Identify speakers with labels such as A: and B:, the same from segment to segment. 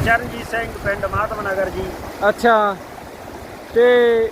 A: ਚਰਨਜੀਤ ਸਿੰਘ ਪਿੰਡ ਮਾਧਵ ਨਗਰ ਜੀ।
B: ਅੱਛਾ, ਤੇ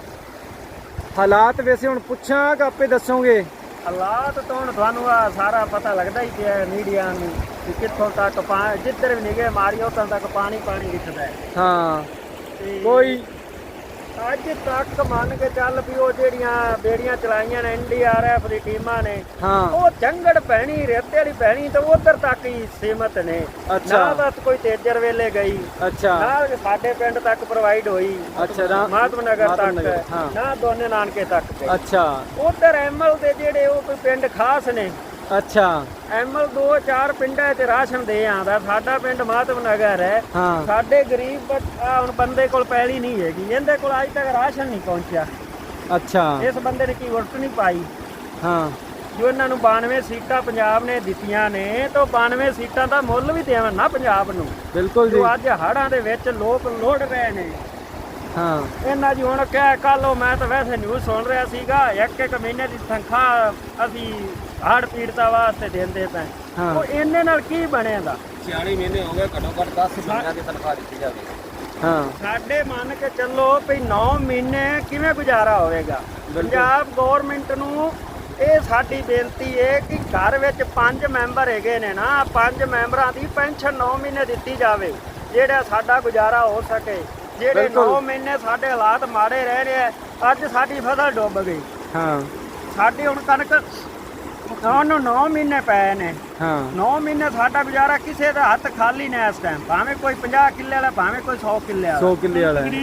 B: ਹਾਲਾਤ ਵੈਸੇ ਹੁਣ ਪੁੱਛਾਂ ਕਿ ਆਪੇ ਦੱਸੋਗੇ?
A: ਹਾਲਾਤ ਤਾਂ ਹੁਣ ਤੁਹਾਨੂੰ ਆ ਸਾਰਾ ਪਤਾ ਲੱਗਦਾ ਹੀ ਪਿਆ ਮੀਡੀਆ ਨੂੰ ਕਿ ਕਿੱਥੋਂ ਤੱਕ ਜਿੱਧਰ ਵੀ ਨਿਗੇ ਮਾਰੀ ਉੱਥੋਂ ਤੱਕ ਪਾਣੀ ਦਿਖਦਾ ਹੈ।
B: ਹਾਂ,
A: ਤੇ
B: ਕੋਈ
A: ਅੱਜ ਤੱਕ ਮੰਨ ਕੇ ਚੱਲ ਵੀ ਉਹ ਜਿਹੜੀਆਂ ਬੇੜੀਆਂ ਚਲਾਈਆਂ ਨੇ NDRF ਦੀ ਟੀਮਾਂ ਨੇ,
B: ਹਾਂ,
A: ਉਹ ਜੰਗੜ ਪੈਣੀ ਰੇਤੇ ਵਾਲੀ ਪੈਣੀ ਤੇ ਉਧਰ ਤੱਕ ਹੀ ਸੀਮਤ ਨੇ।
B: ਅੱਛਾ।
A: ਨਾ ਬਸ ਕੋਈ ਤੇਜਰ ਵੇਲੇ ਗਈ,
B: ਅੱਛਾ,
A: ਨਾ ਸਾਡੇ ਪਿੰਡ ਤੱਕ ਪ੍ਰੋਵਾਈਡ ਹੋਈ,
B: ਅੱਛਾ,
A: ਮਾਧਵ ਨਗਰ ਤੱਕ,
B: ਹਾਂ,
A: ਨਾ ਦੋਨੇ ਨਾਨਕੇ ਤੱਕ ਗਈ।
B: ਅੱਛਾ,
A: ਉਧਰ ਐਮਐਲ ਦੇ ਜਿਹੜੇ ਉਹ ਕੋਈ ਪਿੰਡ ਖਾਸ ਨੇ,
B: ਅੱਛਾ,
A: ਐਮਐਲ 2-4 ਪਿੰਡਾਂ 'ਚ ਰਾਸ਼ਨ ਦੇ ਆਂਦਾ। ਸਾਡਾ ਪਿੰਡ ਮਾਧਵ ਨਗਰ ਹੈ,
B: ਹਾਂ,
A: ਸਾਡੇ ਗਰੀਬ ਹੁਣ ਬੰਦੇ ਕੋਲ ਪੈਲੀ ਨਹੀਂ ਹੈਗੀ, ਇਹਦੇ ਕੋਲ ਅੱਜ ਤੱਕ ਰਾਸ਼ਨ ਨਹੀਂ ਪਹੁੰਚਿਆ।
B: ਅੱਛਾ,
A: ਇਸ ਬੰਦੇ ਨੇ ਕੀ ਵੋਟ ਨਹੀਂ ਪਾਈ।
B: ਹਾਂ,
A: ਜੋ ਇਹਨਾਂ ਨੂੰ 92 ਸੀਟਾਂ ਪੰਜਾਬ ਨੇ ਦਿੱਤੀਆਂ ਨੇ, ਤਾਂ 92 ਸੀਟਾਂ ਦਾ ਮੁੱਲ ਵੀ ਦੇਵਣ ਨਾ ਪੰਜਾਬ ਨੂੰ।
B: ਬਿਲਕੁਲ ਜੀ।
A: ਜੋ ਅੱਜ ਹੜ੍ਹਾਂ ਦੇ ਵਿੱਚ ਲੋਕ ਲੋੜ ਰਹੇ ਨੇ,
B: ਹਾਂ,
A: ਇਹਨਾਂ ਜੀ ਹੁਣ ਕਹਿ ਕੱਲ ਮੈਂ ਤਾਂ ਵੈਸੇ ਨਿਊਜ਼ ਸੁਣ ਰਿਹਾ ਸੀਗਾ, ਇੱਕ ਮਹੀਨੇ ਦੀ ਤਨਖਾਹ ਅਸੀਂ ਹੜ੍ਹ ਪੀੜਤਾਂ ਵਾਸਤੇ ਦਿੰਦੇ ਪਏ।
B: ਹਾਂ,
A: ਉਹ ਇਹਨੇ ਨਾਲ ਕੀ ਬਣੇਗਾ?
C: 46 ਮਹੀਨੇ ਹੋ ਗਏ, ਘੱਟੋ ਘੱਟ 10 ਮਹੀਨਿਆਂ ਦੀ ਤਨਖਾਹ ਦਿੱਤੀ ਜਾਵੇ।
B: ਹਾਂ,
A: ਸਾਡੇ ਮੰਨ ਕੇ ਚੱਲੋ ਵੀ 9 ਮਹੀਨੇ ਕਿਵੇਂ ਗੁਜ਼ਾਰਾ ਹੋਵੇਗਾ? ਪੰਜਾਬ ਗੌਰਮੈਂਟ ਨੂੰ ਇਹ ਸਾਡੀ ਬੇਨਤੀ ਹੈ ਕਿ ਘਰ ਵਿੱਚ 5 ਮੈਂਬਰ ਹੈਗੇ ਨੇ ਨਾ, 5 ਮੈਂਬਰਾਂ ਦੀ ਪੈਨਸ਼ਨ 9 ਮਹੀਨੇ ਦਿੱਤੀ ਜਾਵੇ, ਜਿਹੜਾ ਸਾਡਾ ਗੁਜ਼ਾਰਾ ਹੋ ਸਕੇ। ਜਿਹੜੇ 9 ਮਹੀਨੇ ਸਾਡੇ ਹਾਲਾਤ ਮਾੜੇ ਰਹਿ ਰਹੇ, ਅੱਜ ਸਾਡੀ ਫਸਲ ਡੁੱਬ ਗਈ।
B: ਹਾਂ,
A: ਸਾਡੀ ਹੁਣ ਕਣਕ ਉਹਨੂੰ 9 ਮਹੀਨੇ ਪਏ ਨੇ।
B: ਹਾਂ,
A: 9 ਮਹੀਨੇ ਸਾਡਾ ਗੁਜ਼ਾਰਾ ਕਿਸੇ ਦਾ ਹੱਥ ਖਾਲੀ ਨੇ ਇਸ ਟਾਈਮ, ਭਾਵੇਂ ਕੋਈ 50 ਕਿੱਲੇ ਵਾਲਾ, ਭਾਵੇਂ ਕੋਈ 100 ਕਿੱਲੇ ਵਾਲਾ।
B: 100 ਕਿੱਲੇ ਵਾਲਾ ਹੈ।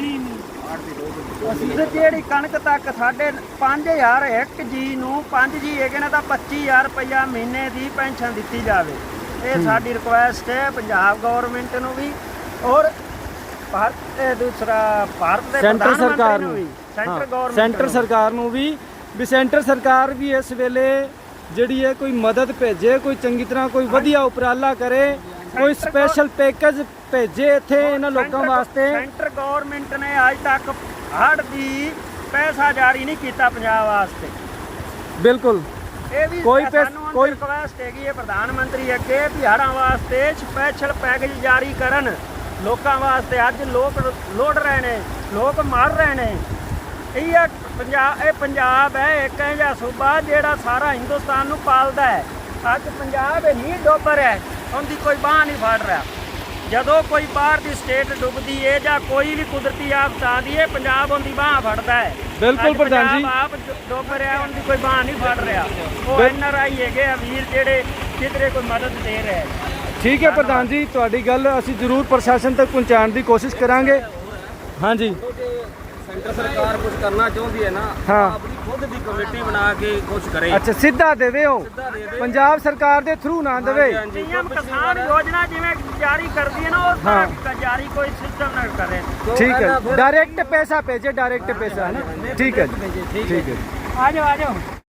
A: ਤੇ ਜਿਹੜੀ ਕਣਕ ਤੱਕ ਸਾਡੇ 5000 ਇੱਕ ਜੀ ਨੂੰ 5 ਜੀ ਹੈਗੇ ਨੇ ਤਾਂ 25000 ਰੁਪਇਆ ਮਹੀਨੇ ਦੀ ਪੈਨਸ਼ਨ ਦਿੱਤੀ ਜਾਵੇ। ਇਹ ਸਾਡੀ ਰਿਕੁਐਸਟ ਹੈ ਪੰਜਾਬ ਗਵਰਨਮੈਂਟ ਨੂੰ ਵੀ, ਔਰ ਦੂਸਰਾ ਭਾਰਤ ਦੇ
B: ਸੈਂਟਰ ਸਰਕਾਰ ਨੂੰ
A: ਵੀ, ਸੈਂਟਰ ਗਵਰਨਮੈਂਟ
B: ਸੈਂਟਰ ਸਰਕਾਰ ਨੂੰ ਵੀ ਸੈਂਟਰ ਸਰਕਾਰ ਵੀ ਇਸ ਵੇਲੇ ਜਿਹੜੀ ਹੈ ਕੋਈ ਮਦਦ ਭੇਜੇ, ਕੋਈ ਚੰਗੀ ਤਰ੍ਹਾਂ ਕੋਈ ਵਧੀਆ ਉਪਰਾਲਾ ਕਰੇ, ਕੋਈ ਸਪੈਸ਼ਲ ਪੈਕੇਜ ਭੇਜੇ ਇੱਥੇ ਇਹਨਾਂ ਲੋਕਾਂ ਵਾਸਤੇ।
A: ਸੈਂਟਰ ਗਵਰਨਮੈਂਟ ਨੇ ਅੱਜ ਤੱਕ ਹੜ੍ਹ ਦੀ ਪੈਸਾ ਜਾਰੀ ਨਹੀਂ ਕੀਤਾ ਪੰਜਾਬ ਵਾਸਤੇ।
B: ਬਿਲਕੁਲ,
A: ਇਹ ਵੀ
B: ਕੋਈ
A: ਰਿਕੁਐਸਟ ਹੈਗੀ ਹੈ ਪ੍ਰਧਾਨ ਮੰਤਰੀ ਅੱਗੇ ਵੀ ਹੜ੍ਹਾਂ ਵਾਸਤੇ ਸਪੈਸ਼ਲ ਪੈਕੇਜ ਜਾਰੀ ਕਰਨ ਲੋਕਾਂ ਵਾਸਤੇ। ਅੱਜ ਲੋਕ ਲੋੜ ਰਹੇ ਨੇ, ਲੋਕ ਮਰ ਰਹੇ ਨੇ। ਇਹ ਪੰਜਾਬ ਹੈ ਇੱਕ ਇਹੋ ਜਿਹਾ ਸੂਬਾ ਜਿਹੜਾ ਸਾਰਾ ਹਿੰਦੁਸਤਾਨ ਨੂੰ ਪਾਲਦਾ ਹੈ। ਅੱਜ ਪੰਜਾਬ ਨਹੀਂ ਡੁੱਬ ਰਿਹਾ, ਉਹਦੀ ਕੋਈ ਬਾਂਹ ਨਹੀਂ ਫੜ ਰਿਹਾ। ਜਦੋਂ ਕੋਈ ਬਾਹਰ ਦੀ ਸਟੇਟ ਡੁੱਬਦੀ ਹੈ ਜਾਂ ਕੋਈ ਵੀ ਕੁਦਰਤੀ ਆਫਤ ਆਉਂਦੀ ਹੈ, ਪੰਜਾਬ ਉਹਦੀ ਬਾਂਹ ਫੜਦਾ ਹੈ।
B: ਬਿਲਕੁਲ ਪ੍ਰਧਾਨ ਜੀ,
A: ਆਪ ਡੁੱਬ ਰਿਹਾ, ਉਹਦੀ ਕੋਈ ਬਾਂਹ ਨਹੀਂ ਫੜ ਰਿਹਾ। ਉਹ NRI ਹੈਗੇ ਆ ਵੀਰ ਜਿਹੜੇ ਕਿਧਰੇ ਕੋਈ ਮਦਦ ਦੇ ਰਹੇ।
B: ਠੀਕ ਹੈ ਪ੍ਰਧਾਨ ਜੀ, ਤੁਹਾਡੀ ਗੱਲ ਅਸੀਂ ਜ਼ਰੂਰ ਪ੍ਰਸ਼ਾਸਨ ਤੱਕ ਪਹੁੰਚਾਉਣ ਦੀ ਕੋਸ਼ਿਸ਼ ਕਰਾਂਗੇ। ਹਾਂਜੀ,
C: ਸੈਂਟਰ ਸਰਕਾਰ ਕੁਝ ਕਰਨਾ ਚਾਹੁੰਦੀ ਹੈ ਨਾ,
B: ਹਾਂ,
C: ਆਪਣੀ ਖੁਦ ਦੀ ਕਮੇਟੀ ਬਣਾ ਕੇ ਕੁਝ ਕਰੇ।
B: ਅੱਛਾ, ਸਿੱਧਾ ਦੇਵੇ, ਉਹ ਪੰਜਾਬ ਸਰਕਾਰ ਦੇ ਥਰੂ ਨਾ ਦੇਵੇ।
A: PM ਕਿਸਾਨ ਯੋਜਨਾ ਜਿਵੇਂ ਜਾਰੀ ਕਰਦੀ ਹੈ ਨਾ, ਉਸ ਤਰ੍ਹਾਂ ਜਾਰੀ ਕੋਈ ਸਿਸਟਮ ਨਾ ਕਰੇ।
B: ਠੀਕ ਹੈ, ਡਾਇਰੈਕਟ ਪੈਸਾ ਭੇਜੇ, ਡਾਇਰੈਕਟ ਪੈਸਾ ਹੈ ਨਾ। ਠੀਕ ਹੈ, ਠੀਕ ਹੈ।
A: ਆ ਜਾਓ।